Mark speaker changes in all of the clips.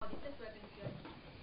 Speaker 1: Dite su atención.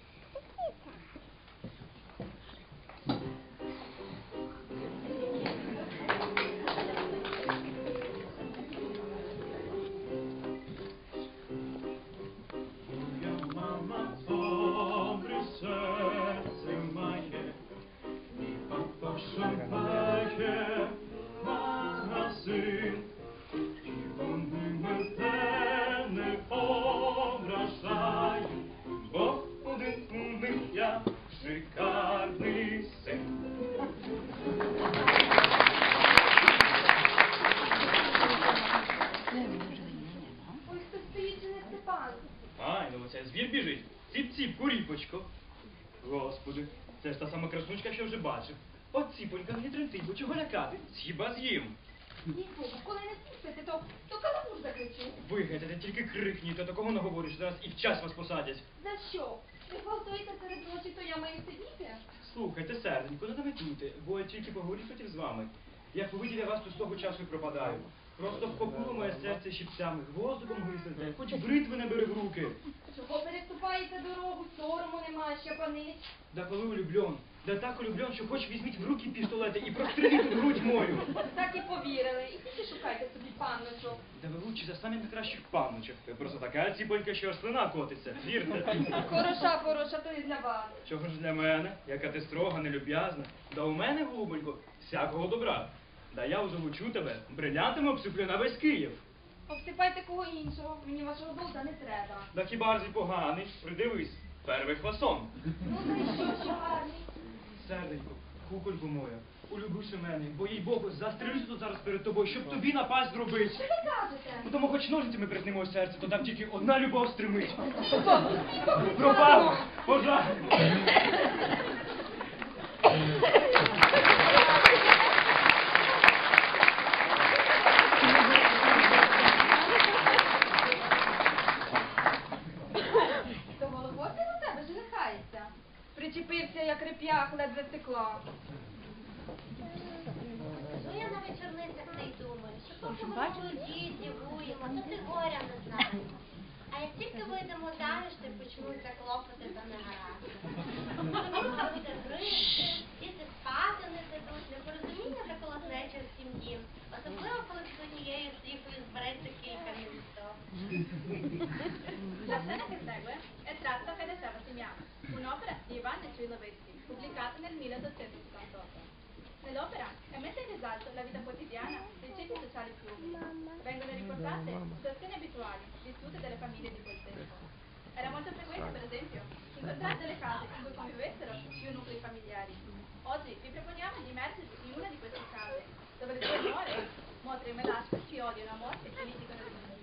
Speaker 2: Звір біжить. Ціп-ціп, куріпочко. Господи, це ж та сама краснучка, що вже бачив. От ціпонька не тремтить, бо чого лякати? Хіба з'їм.
Speaker 1: Нікого, коли не спустите, то каламур закричу.
Speaker 2: Ви, гетете, тільки крикніть, а такого наговориш, зараз і в час вас посадять.
Speaker 1: За що? Ви гвалтуєте серед ночі, то я маю сидіти?
Speaker 2: Слухайте, серденько, не наметуйте, бо я тільки поговорю хотів з вами. Як увидів я вас, то з того часу і пропадаю. Просто вкопнуло моє серце щипцями, гвоздиком гризете, хоч бритви не бери в руки.
Speaker 1: Чого переступаєте дорогу, сорому немає, щепанись?
Speaker 2: Да коли улюблен, да так улюблен, що хоч візьміть в руки пістолети і простріліть в грудь мою.
Speaker 1: Так і повірили. І тільки шукайте собі панночок.
Speaker 2: Да ви лучше за самі найкращих панночок. Ви просто така ціпонька, що аж слина котиться, вірте.
Speaker 1: Хороша, то і для вас.
Speaker 2: Чого ж для мене? Яка ти строга, нелюб'язна. Да у мене, голубонько, всякого добра. Да я озолочу тебе, брилянтами обсиплю на весь Київ.
Speaker 1: Обсипайте кого іншого, мені вашого долга не треба.
Speaker 2: Да хіба ж і поганий? Придивись, первий фасон.
Speaker 1: Ну, та й що гарний?
Speaker 2: Серденько, кукольку моя, улюбивши мене, бо їй Богу, застрелюся тут зараз перед тобою, щоб тобі напасть зробити.
Speaker 1: Що ви кажете?
Speaker 2: Ну тому хоч ножицями притнемо серце, то там тільки одна любов стримить.
Speaker 1: Пропав!
Speaker 2: Пропав! Пожар!
Speaker 1: То голубоси у тебе женихається. Причепився, як реп'ях, ледве стекла.
Speaker 3: Ну я на вечорницях не й думаю, що поки ми молоді, дівуємо, то ти горя не знаємо. А як тільки вийдемо заміж, то почнуться клопоти та негаразди. Тобі буде гризти, діти спати не дадуть, непорозуміння та колотнеча в сім'ї. Особливо, коли з однією стріхою збереться кілька містов.
Speaker 4: La scena che segue è tratta da Fedeseva Simiano, un'opera di Ivan Ciloveschi, pubblicata nel 1878. Nell'opera è messa in risalto la vita quotidiana dei ceti sociali più umili. Vengono riportate situazioni abituali vissute dalle famiglie di quel tempo. Era molto frequente, per esempio, incontrare delle case in cui convivessero più nuclei familiari. Oggi vi proponiamo di immergervi in una di queste case, dove le due nuore, Motra e Melasco, si odiano a morte e litigano di continuo.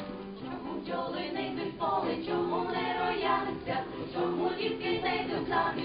Speaker 5: Чому бджоли не йдуть в поле, чому не рояться, чому дітки не йдуть на